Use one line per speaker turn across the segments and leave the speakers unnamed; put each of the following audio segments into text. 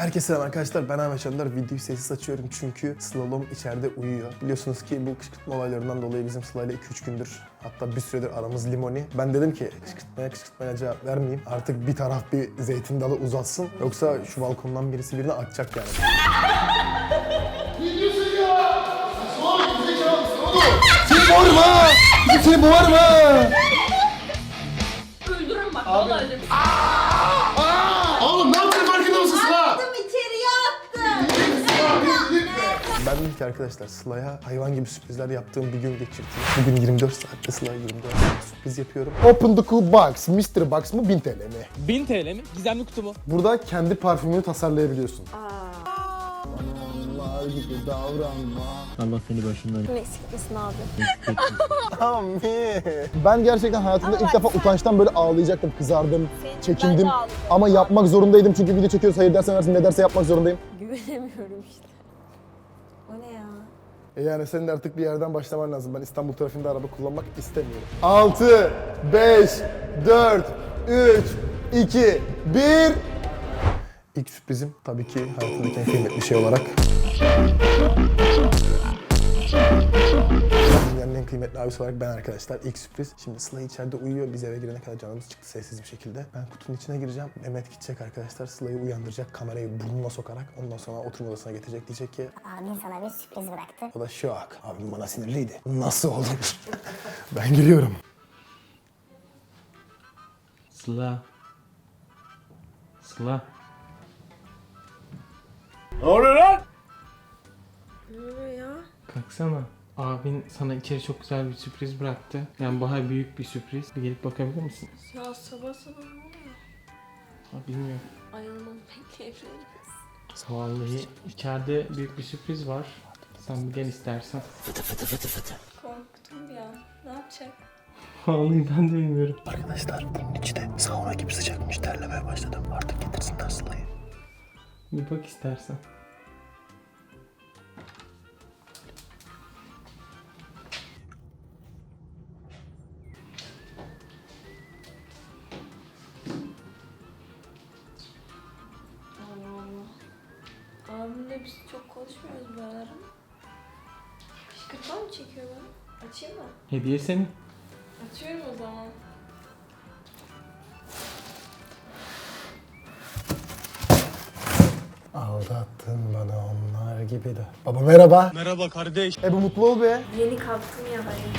Herkese selam arkadaşlar, ben Ahmet Çandar. Videoyu sessiz açıyorum çünkü Slalom içeride uyuyor. Biliyorsunuz ki bu kışkırtma olaylarından dolayı bizim Sıla'yla 2-3 gündür, hatta bir süredir aramız limoni. Ben dedim ki kışkırtmaya cevap vermeyeyim. Artık bir taraf bir zeytin dalı uzatsın. Yoksa şu balkondan birisi birini atacak yani.
Ne diyorsun ya? Saçmalama, gerizekalı oğlum. Seni boğarma! Seni boğarma!
Öldürürüm bak, vallahi öldürürüm.
Oğlum ne yaptın, farkında mısın Sıla?
Attım, içeriye attım.
Ben dedim ki arkadaşlar, Sıla'ya hayvan gibi sürprizler yaptığım bir gün geçirdim. Bugün 24 saatte Sıla'ya 24 saat sürpriz yapıyorum.
Open the cool box, Mystery Box mı 1000 TL mi?
1000 TL mi? Gizemli kutu mu?
Burada kendi parfümünü tasarlayabiliyorsun. Allah gibi davranma.
Allah seni başından
Eksik misin abi?
Amin.
Ben gerçekten hayatımda ilk defa utançtan böyle ağlayacaktım, kızardım, çekindim.
Ben de ağlayacağım.
Ama yapmak zorundaydım çünkü video çekiyoruz, hayır dersen versin, ne derse yapmak zorundayım.
Güvenemiyorum işte. O ne ya?
Yani senin de artık bir yerden başlaman lazım. Ben İstanbul trafiğinde araba kullanmak istemiyorum. 6, 5, 4, 3, 2, 1.
İlk sürprizim tabii ki hayatımdaki en kıymetli şey olarak. Dünyanın en kıymetli abisi olarak ben arkadaşlar. İlk sürpriz. Şimdi Sıla içeride uyuyor. Biz eve girene kadar canımız çıktı sessiz bir şekilde. Ben kutunun içine gireceğim. Mehmet gidecek arkadaşlar. Sıla'yı uyandıracak. Kamerayı burnuna sokarak. Ondan sonra oturma odasına getirecek. Diyecek ki
Abin sana bir sürpriz bıraktı.
o da şok. Abim bana sinirliydi. Nasıl olur? Ben giriyorum.
Sıla. Sıla.
Ne oluyor ya?
Kalksana. Abin sana içeri çok güzel bir sürpriz bıraktı. Yani bayağı büyük bir sürpriz. Bir gelip bakabilir misin?
Ya sabah sabah ne oluyor?
Ha, bilmiyorum.
Ayılmamı bekleyebiliriz.
Vallahi içeride büyük bir sürpriz var. Sen bir gel istersen.
Korktum bir an. Ne yapacak?
Vallahi ben de bilmiyorum.
Arkadaşlar bunun içi de sauna gibi sıcakmış. Terlemeye başladım. Artık getirsinler Sıla'yı.
Bir bak istersen.
Allah Allah. Abimle biz çok konuşmuyoruz bu aralar ama. Kışkırtma mı çekiyor bana? Açayım mı?
Hediye senin.
Açıyorum o zaman.
Aldattın bana onlar gibi de. Baba merhaba.
Merhaba kardeş.
Bu mutlu ol be.
Yeni kalktım ya dayı.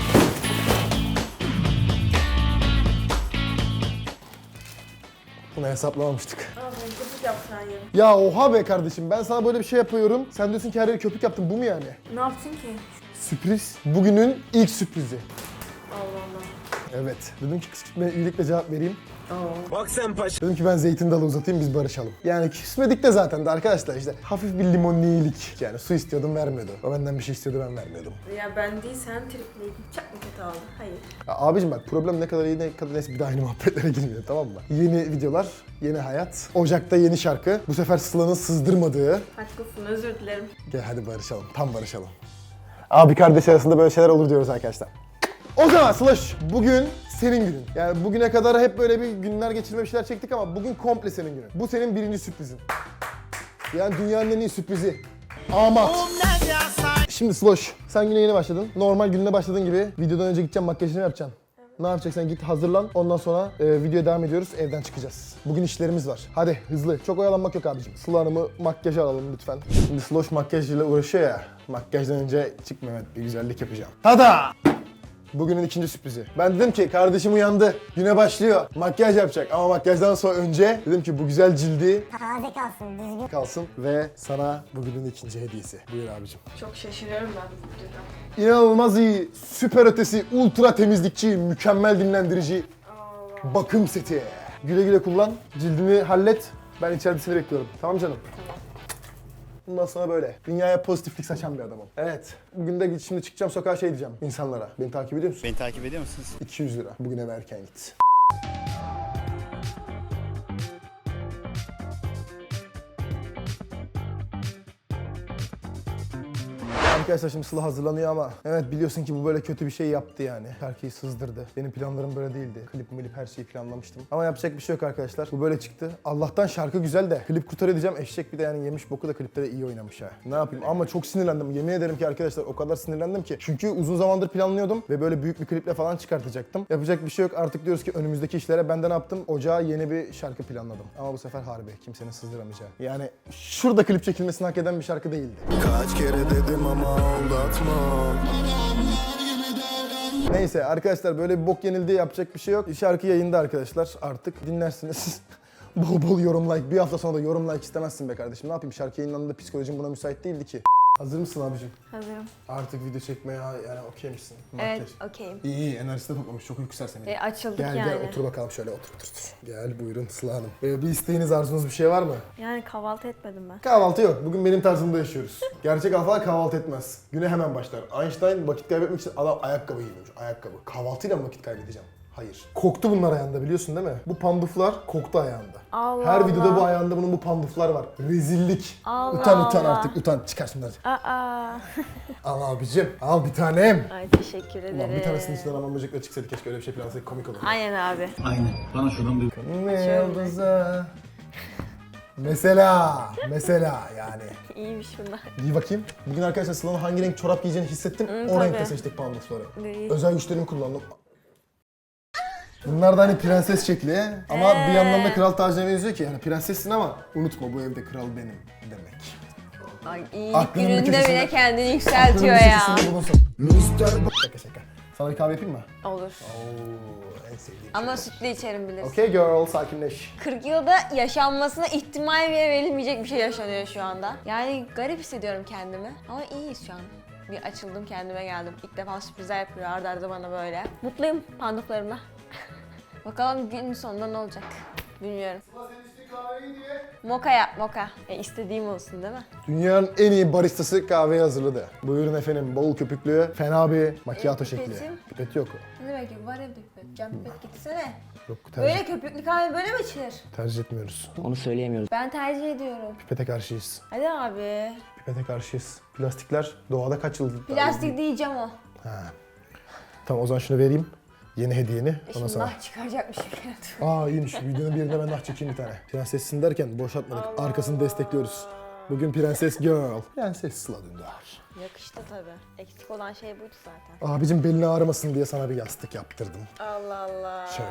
Bunu hesaplamamıştık.
Abi köpük yapsaydın.
Ya oha be kardeşim, ben sana böyle bir şey yapıyorum. Sen diyorsun ki her yeri köpük yaptım, bu mu yani?
Ne yaptın ki?
Sürpriz. Bugünün ilk sürprizi.
Allah Allah.
Evet. Dedim ki kışkırtmaya iyilikle cevap vereyim.
Bak sen paşa.
Dedim ki ben zeytin dalı uzatayım, biz barışalım. Yani küsmedik de zaten de arkadaşlar, işte hafif bir limonlilik. Yani su istiyordum, vermiyordu. O benden bir şey istiyordu, ben vermiyordum.
Ya ben değil sen tripliydin. Çok mu kötü oldu? Hayır.
Ya abicim bak, problem ne kadar iyi ne kadar neyse, bir daha aynı muhabbetlere girmeyelim, tamam mı? Yeni videolar, yeni hayat. Ocak'ta yeni şarkı. Bu sefer Sıla'nın sızdırmadığı.
Haklısın, özür dilerim.
Gel hadi barışalım, tam barışalım. Abi kardeş arasında böyle şeyler olur diyoruz arkadaşlar. O zaman Slash, bugün senin günün. Yani bugüne kadar hep böyle bir günler geçirme bir şeyler çektik ama bugün komple senin günün. Bu senin birinci sürprizin. Yani dünyanın en iyi sürprizi. Amat. Şimdi Sloş, sen güne yeni başladın. Normal gününe başladığın gibi videodan önce gideceksin, makyajını yapacaksın. Ne yapacaksın? Git hazırlan. Ondan sonra videoya devam ediyoruz. Evden çıkacağız. Bugün işlerimiz var. Hadi hızlı. Çok oyalanmak yok abicim. Sıla Hanım'ı makyaja alalım lütfen. Şimdi Sloş makyajıyla uğraşıyor ya. Makyajdan önce çık Mehmet, bir güzellik yapacağım. Tada! Bugünün ikinci sürprizi. Ben dedim ki kardeşim uyandı. Güne başlıyor. Makyaj yapacak ama makyajdan sonra önce dedim ki bu güzel cildi
Taze kalsın, düzgün.
kalsın ve sana bugünün ikinci hediyesi. Buyur abicim.
Çok şaşırıyorum ben bu videodan.
İnanılmaz iyi, süper ötesi, ultra temizlikçi, mükemmel dinlendirici
Allah.
bakım seti. Güle güle kullan, cildini hallet. Ben içerisini bekliyorum. Tamam canım? Bundan sonra böyle. Dünyaya pozitiflik saçan bir adamım. Evet. Bugün de şimdi çıkacağım sokağa şey diyeceğim insanlara. Beni takip ediyor musun?
Beni takip ediyor musunuz?
200 lira. Bugün eve erken git. Arkadaşlar şimdi Sıla hazırlanıyor ama evet biliyorsun ki bu böyle kötü bir şey yaptı yani. Şarkıyı sızdırdı. Benim planlarım böyle değildi. Klip her şeyi planlamıştım. Ama yapacak bir şey yok arkadaşlar. Bu böyle çıktı. Allah'tan şarkı güzel de klip kurtarıyor diyeceğim. Eşek bir de yani yemiş boku da klipte de iyi oynamış ha. Ne yapayım ama çok sinirlendim. Yemin ederim ki arkadaşlar o kadar sinirlendim ki. Çünkü uzun zamandır planlıyordum ve böyle büyük bir kliple falan çıkartacaktım. Yapacak bir şey yok. Artık diyoruz ki önümüzdeki işlere ben de ne yaptım? Ocağa yeni bir şarkı planladım. Ama bu sefer harbi. Kimsenin sızdıramayacağı. Yani şurada klip çekilmesini hak eden bir şarkı değildi.
Kaç kere dedim ama aldatma.
Neyse arkadaşlar böyle bir bok yenildi, yapacak bir şey yok. Şarkı yayında arkadaşlar, artık dinlersiniz. Bol bol yorum like. Bir hafta sonra da yorum like istemezsin be kardeşim. Ne yapayım, şarkı yayınlandığında psikolojim buna müsait değildi ki. Hazır mısın abicim?
Hazırım.
Artık video çekmeye yani okey misin?
Evet,
Makyaj.
okeyim.
İyi enerjisi de toplamış, çok uyku sersemi.
Açıldık
Gel
yani.
gel otur bakalım şöyle otur. Gel buyurun Sıla Hanım. Bir isteğiniz, arzunuz bir şey var mı?
Yani kahvaltı etmedim ben.
Kahvaltı yok. Bugün benim tarzımda yaşıyoruz. Gerçek alfalar kahvaltı etmez. Güne hemen başlar. Einstein vakit kaybetmek için adam ayakkabı giymiş. Ayakkabı. Kahvaltıyla mı vakit kaybedeceğim? Hayır. Koktu bunlar ayağında, biliyorsun değil mi? Bu panduflar koktu ayağında.
Allah
Her videoda
Allah.
bu ayağında bunun bu panduflar var. Rezillik.
Allah
utan
Allah.
artık utan. Çıkar şunları.
Aa.
Al abicim. Al bir tanem.
Ay teşekkür ederim.
Ulan bir tanesinin içinden aman böcekler çıksaydı keşke, öyle bir şey plansaydık, komik olurdu.
Aynen abi.
Ne yıldıza. Mesela yani.
İyiymiş bunlar.
Giy bakayım. Bugün arkadaşlar Sıla'nın hangi renk çorap giyeceğini hissettim. O
tabii.
renkte seçtik pandufları.
İyi.
Özel güçlerimi kullandım. Bunlar da hani prenses şekli ama bir yandan da kral tacına benziyor ki yani prensessin ama unutma bu evde kral benim demek.
Ay iyi
Aklının bir
gününde
köşesinde-
bile kendini
Aklının
yükseltiyor
bir
ya.
köşesinde bulunsun. Şaka. Sana bir kahve yapayım mı?
Olur.
Oo, en sevdiğim
Ama sütlü içerim bilirsin.
Okay girl, sakinleş.
40 yılda yaşanmasına ihtimal bile verilmeyecek bir şey yaşanıyor şu anda. Yani garip hissediyorum kendimi ama iyiyiz şu an. Bir açıldım, kendime geldim. İlk defa sürprizler yapıyor arda arda bana böyle. Mutluyum panduflarımla. Bakalım günün sonunda ne olacak bilmiyorum. Moka yap, moka. İstediğim olsun değil mi?
Dünyanın en iyi baristası kahveyi hazırladı. Buyurun efendim, bol köpüklü, fena bir macchiato şekli.
pipetim?
Pipet yok.
Ne demek ki var evde pipet. Cam pipet gitsene.
Yok tercih,
Böyle köpüklü kahve böyle mi içilir?
tercih etmiyoruz.
Onu söyleyemiyoruz.
Ben tercih ediyorum.
Pipete karşıyız.
Hadi abi.
Pipete karşıyız. Plastikler doğada kaç yıl?
Plastik diyeceğim o.
Ha. Tamam o zaman şunu vereyim. Yeni hediyeni. Ondan
Şimdi
sonra.
nah çıkaracakmışım.
Aa iyiymiş. Videonun birinde ben nah çekeyim bir tane. Prensessin derken boşaltmadık. Arkasını destekliyoruz. Bugün Prenses Girl. Prenses Sıla Dündar.
Yakıştı tabii. Eksik olan şey buydu zaten.
Abicim belini ağrımasın diye sana bir yastık yaptırdım.
Allah Allah.
Şöyle.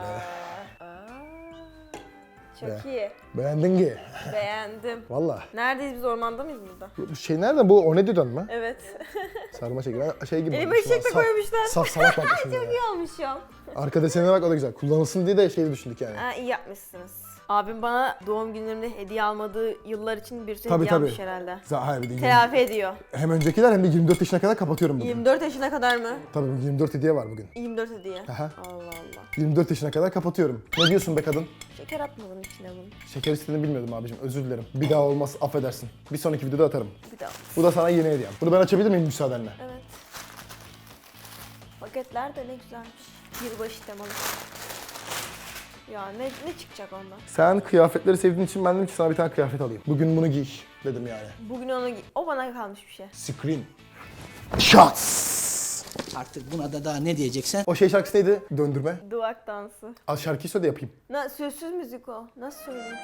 Çok
Be.
iyi.
Beğendin ki.
Beğendim.
Valla.
Neredeyiz biz, ormanda mıyız burada?
Bu şey nereden bu? O ne diyordun mu?
Evet.
Sarma şekli. Ben şey gibi.
Elime
olmuşum.
eşek de
Saf-
koymuşlar.
Saf salak bakmışım ya.
İyi olmuşum.
Arka desenine bak, o da güzel. Kullanılsın diye de şeyi düşündük yani.
Ha, iyi yapmışsınız. Abim bana doğum günlerimde hediye almadığı yıllar için bir sürü
Tabii,
hediye
tabii.
almış herhalde.
Hayır bir de
Telafi ediyor.
hem öncekiler hem de 24 yaşına kadar kapatıyorum bugün.
24 yaşına kadar mı?
Tabii 24 hediye var bugün.
24 hediye.
Aha.
Allah Allah.
24 yaşına kadar kapatıyorum. Ne diyorsun be kadın?
Şeker atmadın içine bunu.
Şeker istediğini bilmiyordum abicim. Özür dilerim. Bir daha olmaz, affedersin. Bir sonraki videoda atarım.
Bir daha.
Bu da sana yeni hediyem. Bunu ben açabilir miyim müsaadenle?
Evet. Paketler de ne güzelmiş. Yılbaşı temalı. Ya ne çıkacak ondan?
Sen kıyafetleri sevdiğin için ben dedim ki sana bir tane kıyafet alayım. Bugün bunu giy dedim yani.
Bugün o bana kalmış bir şey.
Scream. Shots.
Artık buna da daha ne diyeceksen.
O şey şarkısı neydi? Döndürme.
Duvak dansı.
Al şarkıyı söyle de yapayım.
Sözsüz müzik o. Nasıl söyleyeyim?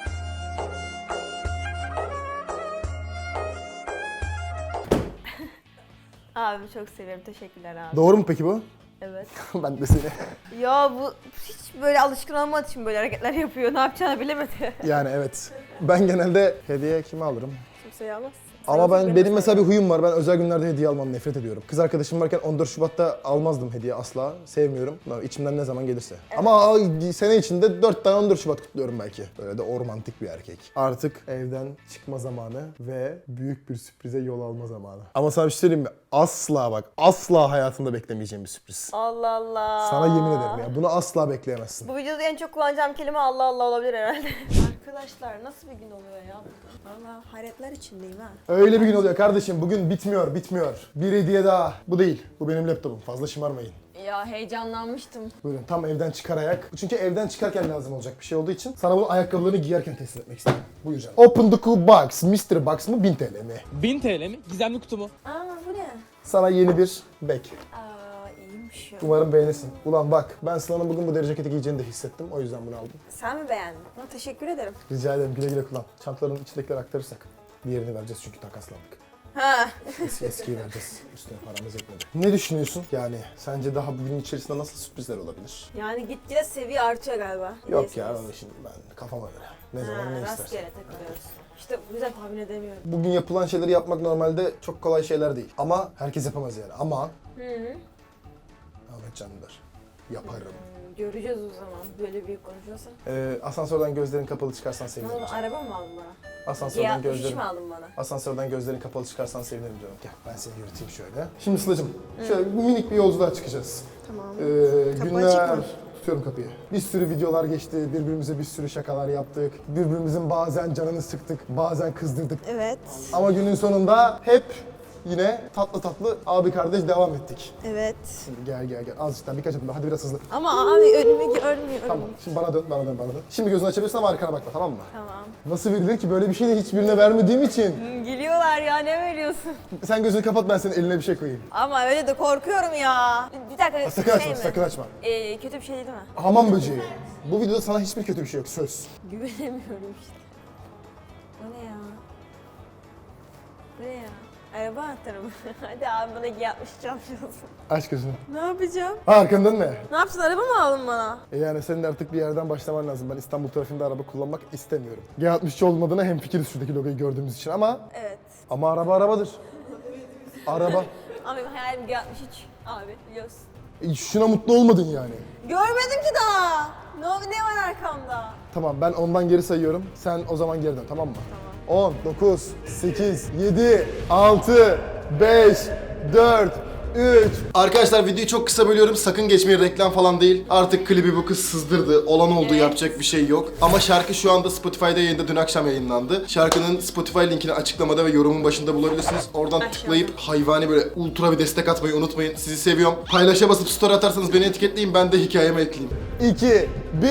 Abi çok seviyorum. Teşekkürler abi.
Doğru mu peki bu?
Evet.
Ben de seni.
Ya bu hiç böyle alışkın olmadığı için böyle hareketler yapıyor. Ne yapacağını bilemedi.
Yani evet. Ben genelde hediye kime alırım?
Kimseye almaz.
Ama benim mesela bir huyum var. Ben özel günlerde hediye almam, nefret ediyorum. Kız arkadaşım varken 14 Şubat'ta almazdım hediye asla. Sevmiyorum. İçimden ne zaman gelirse. Ama sene içinde 4 tane 14 Şubat kutluyorum belki. Böyle de o romantik bir erkek. Artık evden çıkma zamanı ve büyük bir sürprize yol alma zamanı. Ama sana bir şey söyleyeyim mi? Asla bak, asla hayatında beklemeyeceğim bir sürpriz.
Allah Allah.
Sana yemin ederim ya. Bunu asla bekleyemezsin.
Bu videoda en çok kullanacağım kelime Allah Allah olabilir herhalde. Arkadaşlar nasıl bir gün oluyor ya burada? Valla hayretler içindeyim ha.
Öyle bir gün oluyor kardeşim. Bugün bitmiyor. Bir hediye daha. Bu değil. Bu benim laptopum. Fazla şımarmayın.
Ya heyecanlanmıştım.
Buyurun tam evden çıkar ayak. Çünkü evden çıkarken lazım olacak bir şey olduğu için sana bunu ayakkabılarını giyerken teslim etmek istedim. Buyur canım. Open the cool box. Mystery box mı 1000 TL mi?
1000 TL mi? Gizemli kutu mu?
Aa bu ne?
Sana yeni bir bag.
Aa iyiymiş ya.
Umarım beğenirsin. Ulan bak, ben Sıla'nın bugün bu deri ceketi giyeceğini de hissettim. O yüzden bunu aldım.
Sen mi beğendin? Teşekkür ederim.
Rica ederim, güle güle kullan. Çantaların içindekileri aktarırsak. Diğerini vereceğiz çünkü takaslandık.
Ha.
Eskiyi vereceğiz. Üstüne paramız yetmedi. Ne düşünüyorsun? Yani sence daha bugün içerisinde nasıl sürprizler olabilir?
Yani gitgide seviye artıyor galiba.
Yok ya, öyle şimdi ben kafama göre. Ne zaman ne istersen.
Rastgele takılıyoruz. İşte bu yüzden tahmin edemiyorum.
Bugün yapılan şeyleri yapmak normalde çok kolay şeyler değil. Ama herkes yapamaz yani. Ama Ahmet Canlılar yaparım.
Göreceğiz o zaman böyle büyük konuşuyorsan.
Asansörden gözlerin kapalı çıkarsan
Ne
sevinirim.
oldu, araba mı aldın bana?
Asansörden
G63
gözlerin...
mi aldın bana?
Asansörden gözlerin kapalı çıkarsan sevinirim canım. Gel ben seni yürüteyim şöyle. Şimdi Sıla'cığım şöyle minik bir yolculuğa çıkacağız.
Tamam. Kapı
Günler...
açık mı?
Tutuyorum kapıyı. Bir sürü videolar geçti, birbirimize bir sürü şakalar yaptık. Birbirimizin bazen canını sıktık, bazen kızdırdık.
Evet.
Ama günün sonunda hep yine tatlı tatlı abi kardeş devam ettik.
Evet.
Şimdi gel. Azıcık daha birkaç adım daha. Hadi biraz hızlı.
Ama abi önümü görmüyorum.
Tamam. Şimdi bana dön. Şimdi gözünü açabilirsin ama arkana bakma, tamam mı?
Tamam.
Nasıl verilir ki? Böyle bir şey de hiçbirine vermediğim için.
Geliyorlar ya, ne veriyorsun?
Sen gözünü kapat, ben senin eline bir şey koyayım.
Ama öyle de korkuyorum ya. Bir dakika.
Sakın açma,
mi?
sakın açma.
Kötü bir şey değil mi?
Hamam böceği. Bu videoda sana hiçbir kötü bir şey yok, söz.
Güvenemiyorum işte. O ne ya? Bu ne ya? Araba anahtarı mı? Hadi abi bana yapmış çalışıyorsun.
Aç gözünü.
Ne yapacağım?
Arkandan ne?
Ne yapsın, araba mı aldın bana?
Yani senin de artık bir yerden başlaman lazım. Ben İstanbul trafiğinde araba kullanmak istemiyorum. G63 olmadığına hemfikiriz şuradaki logoyu gördüğümüz için
Evet.
ama araba arabadır. Araba.
Ama benim hayalim G63 abi, biliyorsun.
Şuna mutlu olmadın yani.
Görmedim ki daha. Ne var arkamda?
Tamam, ben ondan geri sayıyorum. Sen o zaman geri dön, tamam mı? Tamam. 10, 9, 8, 7, 6, 5, 4, 3. Arkadaşlar videoyu çok kısa bölüyorum. Sakın geçmeyin, reklam falan değil. Artık klibi bu kız sızdırdı. Olan oldu, yapacak bir şey yok. Ama şarkı şu anda Spotify'da yayında, dün akşam yayınlandı. Şarkının Spotify linkini açıklamada ve yorumun başında bulabilirsiniz. Oradan tıklayıp hayvani böyle ultra bir destek atmayı unutmayın. Sizi seviyorum. Paylaşa basıp story atarsanız beni etiketleyin. Ben de hikayeme ekleyeyim. 2, 1...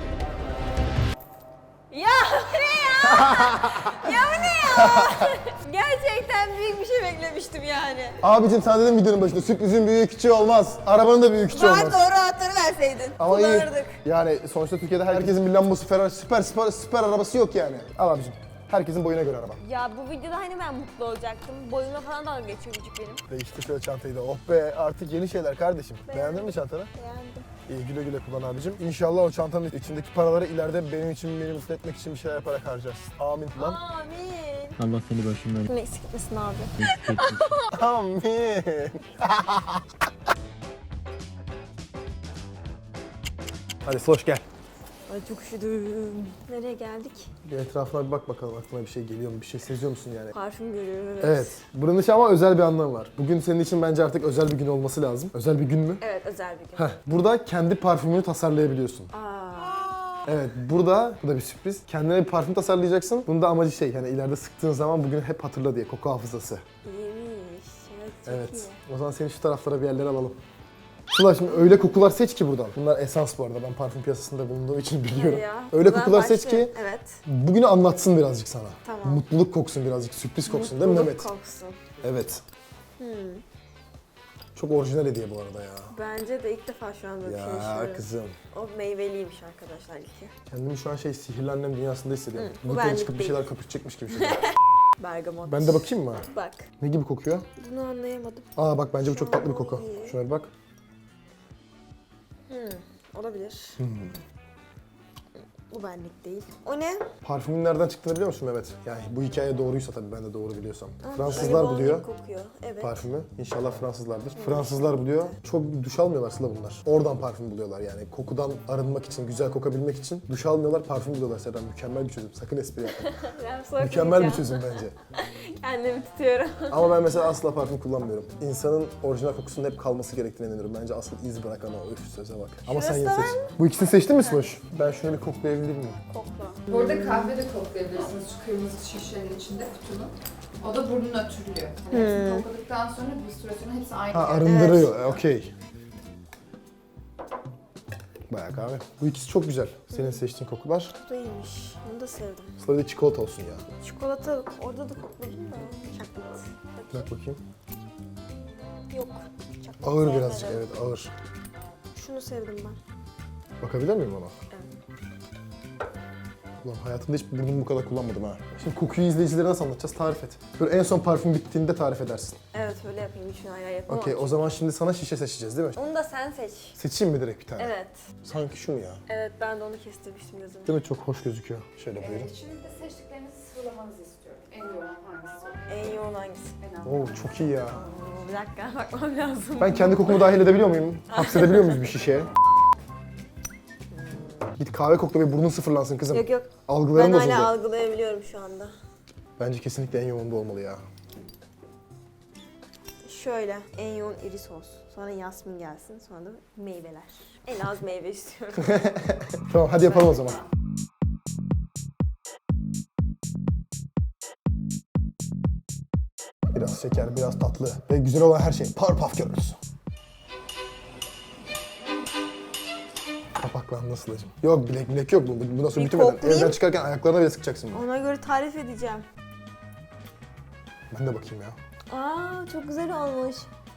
Ya bu ne ya? Ya bu ne ya? Gerçekten büyük bir şey beklemiştim yani.
Abicim sana dedim videonun başında, sürprizin büyüğü küçüğü olmaz. Arabanın da büyüğü küçüğü
Bana
olmaz.
doğru anahtarı verseydin.
Ama iyi.
Kullanırdık.
Yani sonuçta Türkiye'de herkesin bir Lambo'su, Ferrari, süper arabası yok yani. Al abicim. Herkesin boyuna göre araba.
Ya bu videoda hani ben mutlu olacaktım. Boyuma falan dalga geçiyor küçük benim.
Değiştir şöyle çantayı da. Oh be, artık yeni şeyler kardeşim. Beğendin mi çantanı?
Beğendim.
İyi, güle güle kullan abicim. İnşallah o çantanın içindeki paraları ileride benim için, beni mutlu etmek için bir şeyler yaparak harcarsın. Amin lan.
Amin.
Allah seni başımdan
Kim eksik etmesin abi.
Amin. Hadi Sloş gel.
Ay çok üşüdüm. Nereye geldik?
Bir etrafına bir bak bakalım, aklına bir şey geliyor mu? Bir şey seziyor musun yani?
Parfüm görüyoruz.
Evet. Buranın için ama özel bir anlamı var. Bugün senin için bence artık özel bir gün olması lazım. Özel bir gün mü?
Evet, özel bir gün.
Heh. Burada kendi parfümünü tasarlayabiliyorsun. Evet, burada, bu da bir sürpriz. Kendine bir parfüm tasarlayacaksın. Bunun da amacı şey, yani ileride sıktığın zaman bugün hep hatırla diye, koku hafızası.
İyiymiş. Evet, çok
Evet.
iyi.
O zaman seni şu taraflara bir yerlere alalım. Sıla, şimdi öyle kokular seç ki buradan. Bunlar esans bu arada. Ben parfüm piyasasında bulunduğum için biliyorum.
Hadi ya.
Öyle
O zaman
kokular seç
başlayalım.
ki
Evet.
bugünü anlatsın birazcık sana.
Tamam.
Mutluluk koksun birazcık, sürpriz koksun değil mi
Mutluluk
Mehmet?
koksun.
Evet. Çok orijinal hediye bu arada ya.
Bence de ilk defa şu an böyle bir şey
Ya
yaşıyorum.
kızım.
O meyveliymiş arkadaşlar ilki.
Kendimi şu an şey, sihirli annem dünyasında hissediyorum.
bu
Yukarı
benlik
çıkıp bir
değil.
şeyler köpürtecekmiş gibi hissediyorum.
Bergamot.
Ben de bakayım mı?
Bak.
Ne gibi kokuyor?
Bunu anlayamadım.
Aa bak, bence bu çok tatlı bir koku.
iyi.
Şuna bir bak.
Olabilir. Bu benlik değil. O ne?
Parfümün nereden çıktığını biliyor musun Mehmet? Yani bu hikaye doğruysa tabii, ben de doğru biliyorsam. Fransızlar
Bergamot
buluyor
kokuyor. Evet.
parfümü. İnşallah Fransızlardır. Fransızlar buluyor. Çok duş almıyorlar Sıla bunlar. Oradan parfüm buluyorlar yani. Kokudan arınmak için, güzel kokabilmek için duş almıyorlar, parfüm buluyorlar Serdan. Mükemmel bir çözüm. Sakın espri yapma.
Ben
Mükemmel bir çözüm bence.
Kendimi tutuyorum.
Ama ben mesela asla parfüm kullanmıyorum. İnsanın orijinal kokusunun hep kalması gerektiğine inanıyorum. Bence asıl iz bırakan o. Öf, söze bak. Ama sen yine
Şurası
seç. Bu ikisini seçtin mi Sloş? Ben şöyle bir koklayabilir miyim?
Kokla.
Burada kahve de koklayabilirsiniz şu kırmızı şişenin içinde kutunun. O da burnunu ötürülüyor. Hani hepsini kokladıktan sonra bir süre sonra hepsi aynı.
Ha,
geldi.
arındırıyor. Okey. Bayağı kahve. Bu ikisi çok güzel. Senin seçtiğin kokular.
Bu da iyiymiş. Bunu da sevdim.
Sonra da çikolata olsun ya.
Çikolata orada da kokladım da. Chocolate.
Bak bakayım.
Yok. Çok
Ağır
sevmedim.
birazcık, evet ağır.
Şunu sevdim ben.
Bakabilir miyim ona?
Evet.
Ulan hayatımda hiç burnumu bu kadar kullanmadım ha. Şimdi kokuyu izleyicilere nasıl anlatacağız? Tarif et. Böyle en son parfüm bittiğinde tarif edersin.
Evet öyle yapayım. Şunu ayrı yapamam.
Okey, o zaman şimdi sana şişe seçeceğiz değil mi?
Onu da sen seç.
Seçeyim mi direkt bir tane?
Evet.
Sanki şu mu ya?
Evet ben de onu kestirmiştim gözümü.
Değil mi? Çok hoş gözüküyor. Şöyle buyurun.
Şimdi de seçtiklerinizi sıralamanızı istiyorum. En yoğun hangisi?
En yoğun hangisi?
En az.
Oo çok iyi ya.
Oo, bir dakika bakmam lazım.
Ben kendi kokumu dahil edebiliyor muyum? Hapsedebiliyor muyuz bir şişeye? Git kahve kokla ve burnun sıfırlansın kızım.
Yok yok.
Algılarım
Ben
bozuldu.
hala algılayabiliyorum şu anda.
Bence kesinlikle en yoğun bu olmalı ya.
Şöyle en yoğun iris olsun. Sonra yasmin gelsin. Sonra da meyveler. En az meyve istiyorum.
Tamam hadi yapalım o zaman. Biraz şeker, biraz tatlı ve güzel olan her şey. Powerpuff Girls. Kapaklandı Sıla'cığım. Yok bilek yok bu. Bundan sonra
Bir
bitirmeden.
koklayayım.
Evden çıkarken ayaklarına bile sıkacaksın bunu.
Ona göre tarif edeceğim.
Ben de bakayım ya.
Aa çok güzel olmuş.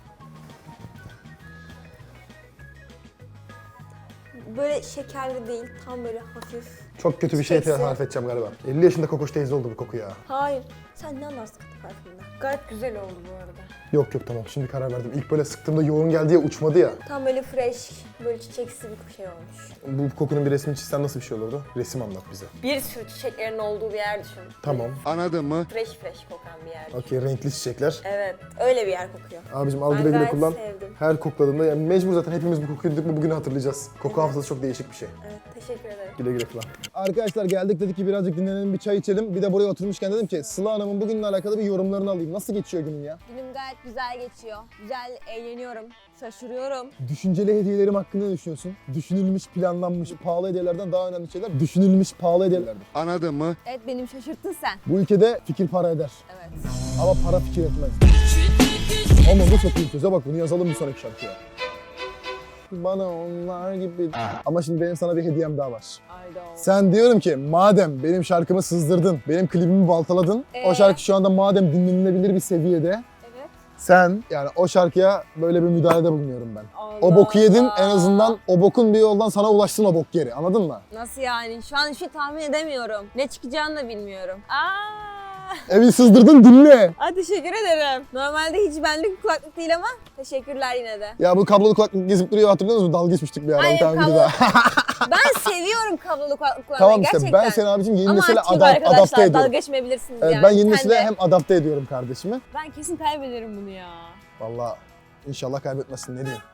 Böyle şekerli değil, tam böyle hafif.
Çok kötü bir şey
Çiçeksi.
tarif edeceğim galiba. 50 yaşında Kokoş teyze oldu bu koku ya.
Hayır, sen ne anlarsın katı parfümden? Gayet güzel oldu bu arada.
Yok tamam şimdi karar verdim. İlk böyle sıktığımda yoğun geldi ya uçmadı ya.
Tam böyle fresh, böyle çiçeksi bir şey olmuş.
Bu kokunun bir resmini çizsen nasıl bir şey olurdu? Resim anlat bize.
Bir sürü çiçeklerin olduğu bir yer düşün.
Tamam.
Anladın mı?
Fresh kokan bir yer.
Okey renkli çiçekler.
Evet, öyle bir yer kokuyor.
Abicim al
Ben
güle güle
gayet
kullan.
sevdim.
Her kokladığımda yani mecbur zaten hepimiz bu kokuyu duyduk mu bugünü hatırlayacağız. Koku hafızası çok değişik bir şey.
Evet, teşekkür ederim.
Güle güle kullan. Arkadaşlar geldik dedik ki birazcık dinlenelim bir çay içelim. Bir de buraya oturmuşken dedim ki Sıla Hanım'ın bugünle alakalı bir yorumlarını alayım. Nasıl geçiyor günün ya?
Günüm gayet güzel geçiyor. Güzel eğleniyorum, şaşırıyorum.
Düşünceli hediyelerim hakkında ne düşünüyorsun? Düşünülmüş, planlanmış, pahalı hediyelerden daha önemli şeyler düşünülmüş, pahalı hediyelerdir.
Anladın mı?
Evet, benim şaşırttın sen.
Bu ülkede fikir para eder.
Evet.
Ama para fikir etmez. Ama bu çok iyi söze bak bunu yazalım bir sonraki şarkıya. Bana onlar gibi... Ama şimdi benim sana bir hediyem daha var.
Ayda.
Sen diyorum ki madem benim şarkımı sızdırdın, benim klibimi baltaladın, o şarkı şu anda madem dinlenilebilir bir seviyede,
Evet.
sen yani o şarkıya böyle bir müdahalede bulunuyorum ben.
Allah
O boku yedin
Allah.
en azından o bokun bir yoldan sana ulaşsın o bok geri anladın mı?
Nasıl yani? Şu an hiç tahmin edemiyorum. Ne çıkacağını da bilmiyorum. Aa!
Evi sızdırdın dinle.
Aa, teşekkür ederim. Normalde hiç benlik bir kulaklık değil ama teşekkürler yine de.
Ya bu kablolu kulaklık gezip duruyor hatırlıyor musun? Dalga geçmiştik bir ara.
Aynen,
Bir tane
kablo-
videoda.
Ben seviyorum kablolu kulaklık kullanmayı
Tamam işte
gerçekten.
ben seni abicim yeni
ama
nesile
açayım
adapte
arkadaşlar, dalga
ediyorum.
geçmeyebilirsiniz
Evet,
yani.
ben yeni
Sen
nesile
de.
hem adapte ediyorum kardeşimi.
Ben kesin kaybederim bunu ya.
Vallahi inşallah kaybetmezsin ne diyeyim.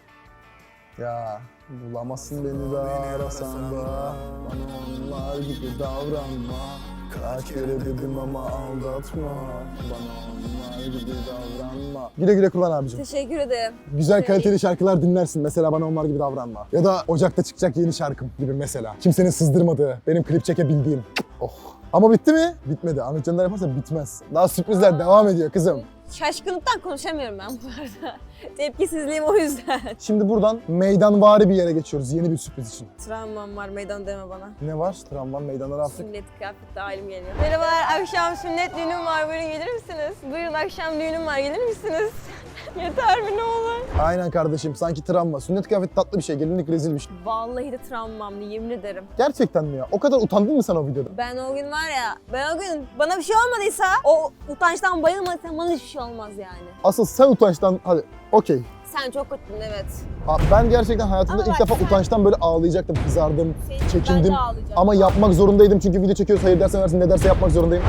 Ya bulamazsın beni de arasan da bana onlar gibi davranma. Kaç kere dedim ama aldatma. Bana onlar gibi davranma. Güle güle kullan abicim.
Teşekkür ederim.
Güzel kaliteli şarkılar dinlersin. Mesela bana onlar gibi davranma. Ya da Ocak'ta çıkacak yeni şarkım gibi mesela. Kimsenin sızdırmadığı, benim klip çekebildiğim. Oh. Ama bitti mi? Bitmedi. Ahmet Canlar yaparsa bitmez. Daha sürprizler devam ediyor kızım.
Şaşkınlıktan konuşamıyorum ben bu arada. Tepkisizliğim o yüzden.
Şimdi buradan meydanvari bir yere geçiyoruz yeni bir sürpriz için.
Travmam var, meydan deme bana.
Ne var? Tramvan meydanları attık.
Sünnet kıyafette halim geliyor. Merhabalar, akşam sünnet düğünüm var. Buyurun gelir misiniz? Buyurun akşam düğünüm var, gelir misiniz? Yeter mi ne olur?
Aynen kardeşim sanki travma. Sünnet kıyafeti tatlı bir şey, gelinlik rezil bir şey.
Vallahi de travmamdı, yemin ederim.
Gerçekten mi ya? O kadar utandın mı sen o videoda?
Ben o gün var ya, ben o gün bana bir şey olmadıysa, o utançtan bayılmadıysam bana hiçbir şey olmaz yani.
Asıl sen utançtan, hadi okey.
Sen çok kötüydün evet.
Abi ben gerçekten hayatımda
Ama
ilk
bak
defa
sen-
utançtan böyle ağlayacaktım, kızardım,
Ben
çekindim.
de ağlayacağım.
Ama yapmak zorundaydım çünkü video çekiyoruz, hayır dersen versin, ne derse yapmak zorundayım.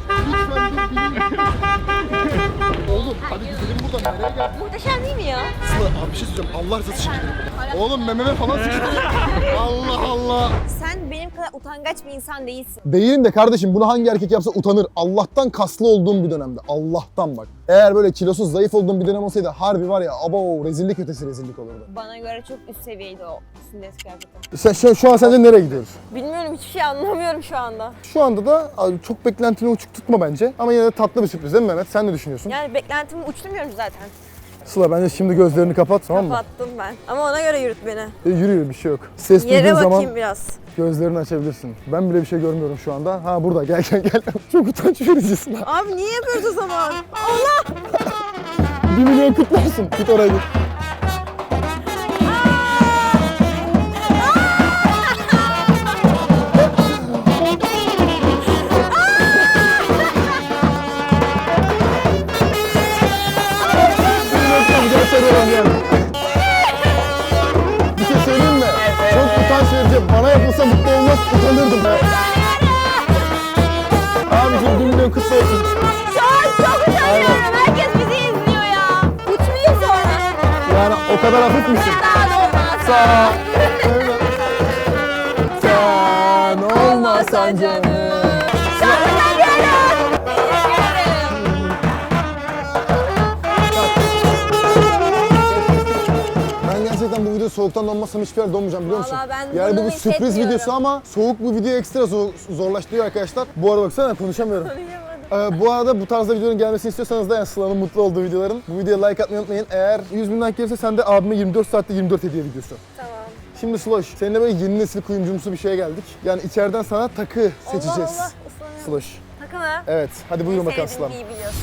Oğlum hadi gidelim buradan, nereye geldin?
Muhteşem değil mi ya?
Sıla abi bir şey söyleyeceğim, Allah rızası için gidelim. Oğlum mememe falan sıçtı. Allah Allah.
Sen benim kadar utangaç bir insan değilsin.
Değilim de kardeşim bunu hangi erkek yapsa utanır. Allah'tan kaslı olduğum bir dönemde. Allah'tan bak. Eğer böyle kilosuz, zayıf olduğum bir dönem olsaydı harbi var ya abo rezillik ötesi rezillik olurdu.
Bana göre çok üst seviyeydi o sünnet kıyafeti.
Sen şu an sence nereye gidiyoruz?
Bilmiyorum, hiçbir şey anlamıyorum şu anda.
Şu anda da abi, çok beklentini uçuk tutma bence. Ama yine de tatlı bir sürpriz değil mi Mehmet? Sen ne düşünüyorsun?
Yani beklentimi uçturmuyorum zaten.
Sıla bence şimdi gözlerini kapat tamam mı?
Kapattım ben. Ama ona göre yürüt beni.
Yürü bir şey yok. Ses
Yere
duyduğun
bakayım
zaman
biraz.
gözlerini açabilirsin. Ben bile bir şey görmüyorum şu anda. Ha burada gel. Çok utanç vericisin ha.
Abi niye yapıyoruz o zaman? Allah!
1 milyon kutlu olsun. Git oraya git. Bir şey söyleyeyim mi? Çok utanç verici. Bana yapılsa mutlu olmaz, utanırdım. Abiciğim 1 milyon kutlu olsun.
Şu an çok utanıyorum. Herkes bizi izliyor ya. Uçmayayım sonra.
Yani o kadar hafif misin?
Daha olmaz.
Sen olmasan canım. Ben gerçekten bu video soğuktan donmazsam hiçbir yer donmayacağım biliyor musun?
Vallahi ben
Yani bu
bunu
bir sürpriz
hissetmiyorum.
videosu ama soğuk bu videoyu ekstra zorlaştırıyor arkadaşlar. Bu arada baksana konuşamıyorum. Bu arada bu tarzda videonun gelmesini istiyorsanız da yani Sıla'nın mutlu olduğu videoların bu videoya like atmayı unutmayın. Eğer 100 bin like gelirse sen de abime 24 saatte 24 hediye videosu.
Tamam.
Şimdi Sloş, seninle böyle yeni nesil kuyumcumsu bir şeye geldik. Yani içeriden sana takı seçeceğiz.
Allah ıslanıyorum.
Sloş.
Takı mı?
Evet, hadi buyurun bakalım
Sevdiğim
Sıla.
iyi biliyorsun.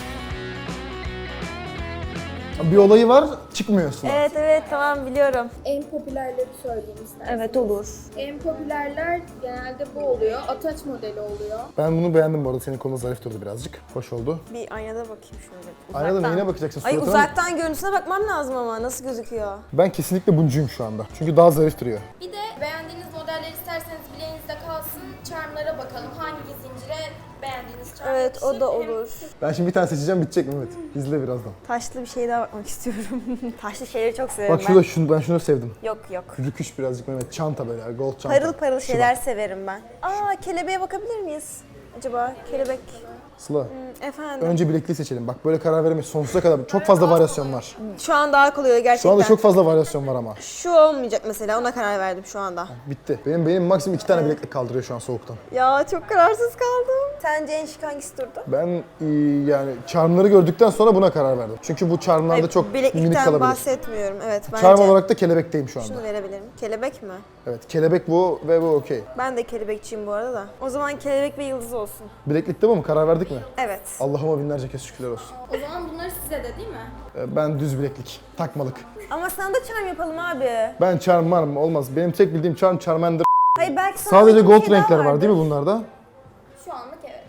Bir olayı var, çıkmıyor Sıla.
Evet tamam biliyorum.
En popülerleri söyleyeyim isterseniz.
Evet olur.
En popülerler genelde bu oluyor. Ataç modeli oluyor.
Ben bunu beğendim bu arada, senin kolun zarif durdu birazcık. Hoş oldu.
Bir aynada bakayım şöyle.
Aynada neyine bakacaksın?
Ay
Suratına mı?
uzaktan görüntüsüne bakmam lazım ama nasıl gözüküyor?
Ben kesinlikle buncuyum şu anda. Çünkü daha zarif duruyor.
Bir de beğendiğiniz modeller isterseniz bileğinizde kalsın. Charmlara bakalım. Hangi zincire beğendiğiniz charm
Evet o da
yakışır.
olur.
Ben şimdi bir tane seçeceğim, bitecek Mehmet. İzle birazdan.
Taşlı bir şeye daha bakmak istiyorum. Taşlı şeyleri çok severim
Bak şurada ben şunu sevdim.
Yok.
Rüküş birazcık Mehmet. Çanta böyle, gold çanta.
Parıl parıl
Şu
şeyler
bak.
severim ben. Aa kelebeğe bakabilir miyiz? Acaba kelebek.
Sıla,
Efendim.
önce bilekliği seçelim. Bak böyle karar veremeyiz. Sonsuza kadar. Çok fazla varyasyon var.
Şu an daha kolay gerçekten.
Şu anda çok fazla varyasyon var ama.
Şu olmayacak mesela ona karar verdim şu anda.
Bitti. Benim maksimum 2 tane bileklik kaldırıyor şu an soğuktan.
Ya çok kararsız kaldım. Sence en şık hangisi durdu?
Ben yani charmları gördükten sonra buna karar verdim. Çünkü bu charmlarda
Hayır,
çok minik
bileklikten
kalabilir.
bahsetmiyorum. Evet bence.
Charm olarak da kelebekteyim şu anda.
Şunu verebilirim. Kelebek mi?
Evet, kelebek bu ve bu okey.
Ben de kelebekçiyim bu arada da. O zaman kelebek ve yıldız olsun.
Bileklikte bu mu? Karar verdik mi?
Evet.
Allah'ıma binlerce kez şükürler olsun.
O zaman bunları size de değil mi?
Ben düz bileklik, takmalık.
Ama sana da charm yapalım abi.
Ben charm var mı? Olmaz. Benim tek bildiğim charm, Charmander.
Hayır belki sana
Sadece
bir
gold
şey daha
renkler var
vardır.
değil mi bunlarda?
Şu anlık evet.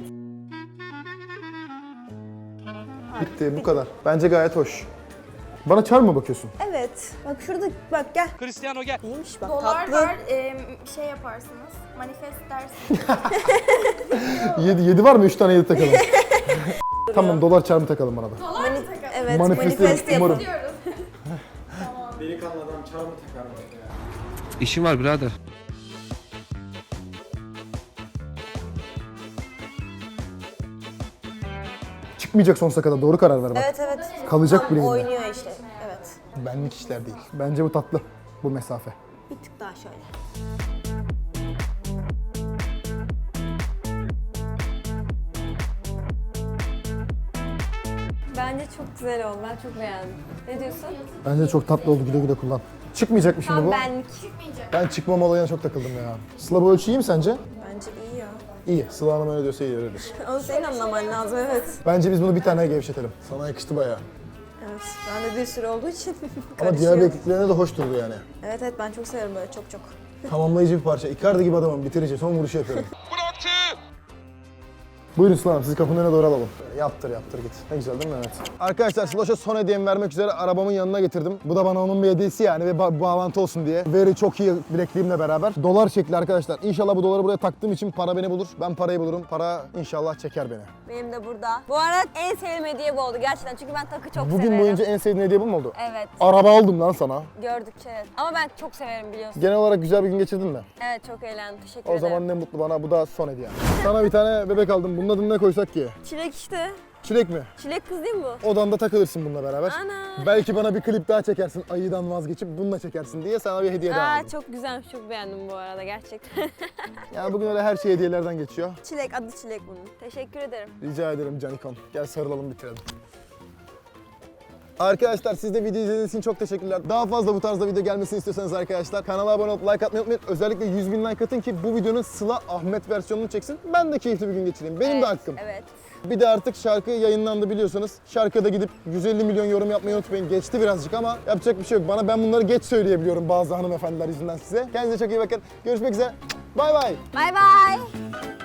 Bitti, bu kadar. Bence gayet hoş. Bana charm mı bakıyorsun?
Evet. Bak şurada bak gel.
Cristiano gel.
İyiymiş bak
Dolar
tatlı.
var, şey yaparsınız, manifest dersiniz.
7 var mı? 3 tane 7 takalım. Tamam, dolar charm'ı takalım bana da.
Dolar mı takalım?
Evet
Manifest
manifest
umarım.
yapın.
Diyoruz.
Delikanlı adam çarmı takar ya.
İşim var birader.
Çıkmayacak sonsuza kadar. Doğru karar ver bak.
Evet.
Kalacak
Tam
bileğinde.
oynuyor işte. Evet.
Benlik işler değil. Bence bu tatlı. Bu mesafe.
Bir tık daha şöyle. Bence çok güzel oldu. Ben çok beğendim. Ne diyorsun?
Bence çok tatlı oldu. Güle güle kullan. Çıkmayacak mı şimdi
Tam
bu?
benlik.
Ben çıkmam olayına çok takıldım ya. Sıla bu ölçü iyi mi sence?
Bence iyi ya.
İyi. Sıla Hanım öyle diyorsa iyi öyledir.
Onu senin anlaman lazım evet.
Bence biz bunu bir tane gevşetelim. Sana yakıştı bayağı.
Evet. Ben de bir sürü olduğu için
Ama diğer
karışıyor.
bilekliklerine de hoş durdu yani.
Evet ben çok severim böyle çok.
Tamamlayıcı bir parça. Icardi gibi adamım. Bitirici. Son vuruşu yapıyorum. Buyurun Sıla Hanım, sizi kapının önüne doğru alalım. Yaptır git. Ne güzel değil mi Mehmet? Arkadaşlar Sloş'a son hediyemi vermek üzere arabamın yanına getirdim. Bu da bana onun bir hediyesi yani ve bağlantı olsun diye. Veri çok iyi bilekliğimle beraber. Dolar şekli arkadaşlar. İnşallah bu doları buraya taktığım için para beni bulur. Ben parayı bulurum. Para inşallah çeker beni.
Benim de burada. Bu arada en sevdiğim hediye bu oldu gerçekten çünkü ben takı çok
Bugün
severim.
boyunca en sevdiğin hediye bu mu oldu?
Evet
Araba aldım lan sana.
gördükçe evet. Ama ben çok severim biliyorsun.
Genel olarak güzel bir gün geçirdin mi?
Evet çok eğlendim teşekkür
O
ederim.
zaman ne mutlu bana. Bu da son hediye. Sana bir tane bebek aldım. Bunun adını ne koysak ki?
Çilek işte.
Çilek mi?
Çilek kız değil mi bu?
Odanda takılırsın bununla beraber.
Ana.
Belki bana bir klip daha çekersin. Ayıdan vazgeçip bununla çekersin diye sana bir hediye daha aldım.
Çok güzelmiş çok beğendim bu arada gerçekten.
Yani bugün öyle her şey hediyelerden geçiyor.
Çilek adı Çilek bunun. Teşekkür ederim.
Rica ederim Canikon. Gel sarılalım bitirelim. Arkadaşlar siz de video izlediğiniz için çok teşekkürler. Daha fazla bu tarzda video gelmesini istiyorsanız arkadaşlar kanala abone olup like atmayı unutmayın. Özellikle 100.000 like atın ki bu videonun Sıla Ahmet versiyonunu çeksin. Ben de keyifli bir gün geçireyim. Benim de hakkım.
Evet.
Bir de artık şarkı yayınlandı biliyorsanız. Şarkıda gidip 150 milyon yorum yapmayı unutmayın. Geçti birazcık ama yapacak bir şey yok. Ben bunları geç söyleyebiliyorum bazı hanımefendiler yüzünden size. Kendinize çok iyi bakın. Görüşmek üzere. Bay bay.
Bay bay.